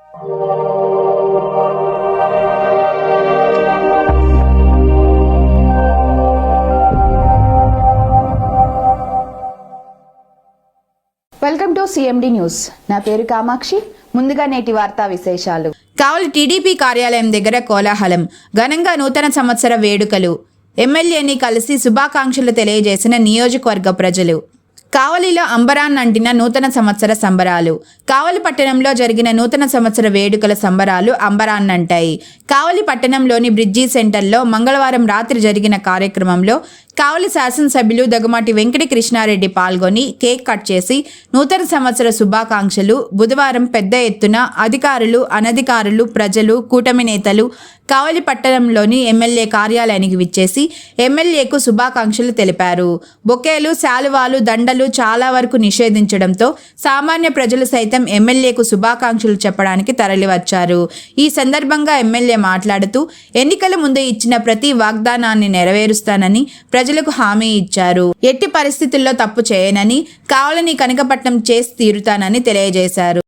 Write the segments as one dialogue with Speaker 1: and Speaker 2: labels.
Speaker 1: Welcome to CMD news. నా పేరు కామాక్షి. ముందుగా నేటి వార్తా విశేషాలు.
Speaker 2: కావలి టీడీపీ కార్యాలయం దగ్గర కోలాహలం. ఘనంగా నూతన సంవత్సర వేడుకలు. ఎమ్మెల్యేని కలిసి శుభాకాంక్షలు తెలియజేసిన నియోజకవర్గ ప్రజలు. కావలిలో అంబరాన్నంటిన నూతన సంవత్సర సంబరాలు. కావలి పట్టణంలో జరిగిన నూతన సంవత్సర వేడుకల సంబరాలు అంబరాన్నంటాయి. కావలి పట్టణంలోని బ్రిడ్జి సెంటర్లో మంగళవారం రాత్రి జరిగిన కార్యక్రమంలో కావలి శాసనసభ్యులు దగ్గుమాటి వెంకట కృష్ణారెడ్డి పాల్గొని కేక్ కట్ చేసి నూతన సంవత్సర శుభాకాంక్షలు. బుధవారం పెద్ద ఎత్తున అధికారులు, అనధికారులు, ప్రజలు, కూటమి నేతలు కావలి పట్టణంలోని ఎమ్మెల్యే కార్యాలయానికి విచ్చేసి ఎమ్మెల్యేకు శుభాకాంక్షలు తెలిపారు. బొకేలు, శాలువాలు, దండలు చాలా వరకు నిషేధించడంతో సామాన్య ప్రజలు సైతం ఎమ్మెల్యేకు శుభాకాంక్షలు చెప్పడానికి తరలివచ్చారు. ఈ సందర్భంగా ఎమ్మెల్యే మాట్లాడుతూ ఎన్నికల ముందు ఇచ్చిన ప్రతి వాగ్దానాన్ని నెరవేరుస్తానని ప్రజలకు హామీ ఇచ్చారు. ఎట్టి పరిస్థితుల్లో తప్పు చేయనని, కావలిని కనకపట్నం చేసి తీరుతానని తెలియజేశారు.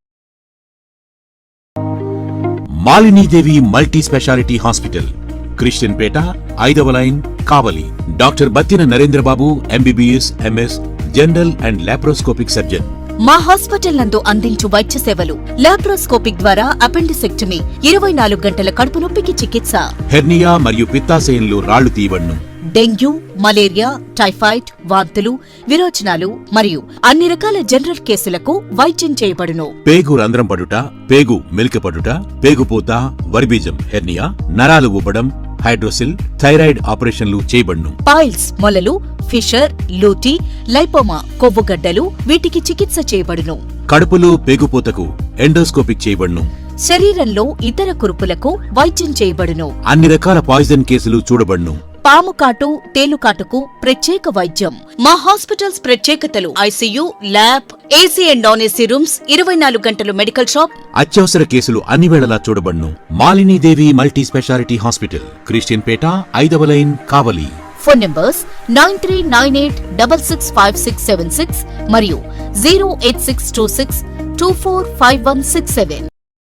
Speaker 3: Malinidevi multi specialty hospital, Christian Peta, 5వ line, Kavali. Doctor Battina Narendrababu, MBBS, MS, general and laparoscopic surgeon.
Speaker 4: మా హాస్పిటల్ నందు అందించు వైద్య సేవలు: లాప్రోస్కోపిక్ ద్వారా అపెండిసెక్టమీ, 24 గంటల కడుపు నొప్పికి చికిత్స,
Speaker 3: హెర్నియా మరియు పిత్తాశయంలో రాళ్లు తీయబడును,
Speaker 4: డెంగ్యూ, మలేరియా, టైఫాయిడ్, వాంతులు, విరోచనాలు మరియు అన్ని రకాల జనరల్ కేసులకు వైద్యం చేయబడును.
Speaker 3: పేగు రంధ్రం పడుట, పేగు మెలికపడుట, పేగుపూత, వర్బీజం, హెర్నియా, నరాలు ఉబ్బడం, హైడ్రోసిల్, థైరాయిడ్ ఆపరేషన్లు చేయబడును.
Speaker 4: పైల్స్, మొలలు, ఫిషర్, లూటీ, లైపోమా, కొవ్వుగడ్డలు, వీటికి చికిత్స చేయబడును.
Speaker 3: కడుపులో పేగుపూతకు ఎండోస్కోపిక్ చేయబడును.
Speaker 4: శరీరంలో ఇతర కురుపులకు వైద్యం చేయబడును.
Speaker 3: అన్ని రకాల పాయిజన్ కేసులు చూడబడును.
Speaker 4: పాము కాటు, తేలుకాటుకు ప్రత్యేక వైద్యం. మా హాస్పిటల్స్ ప్రత్యేకతలు: ICU, lab, AC and non AC rooms, 24 గంటలు మెడికల్ షాప్.
Speaker 3: అత్యవసర కేసులు అన్ని వేళలా చూడబడును. Malinidevi multi specialty hospital, Christian Peta, 5వ లైన్, కావలి.
Speaker 4: ఫోన్ నంబర్స్ 9398665676 మరియు 08626245167.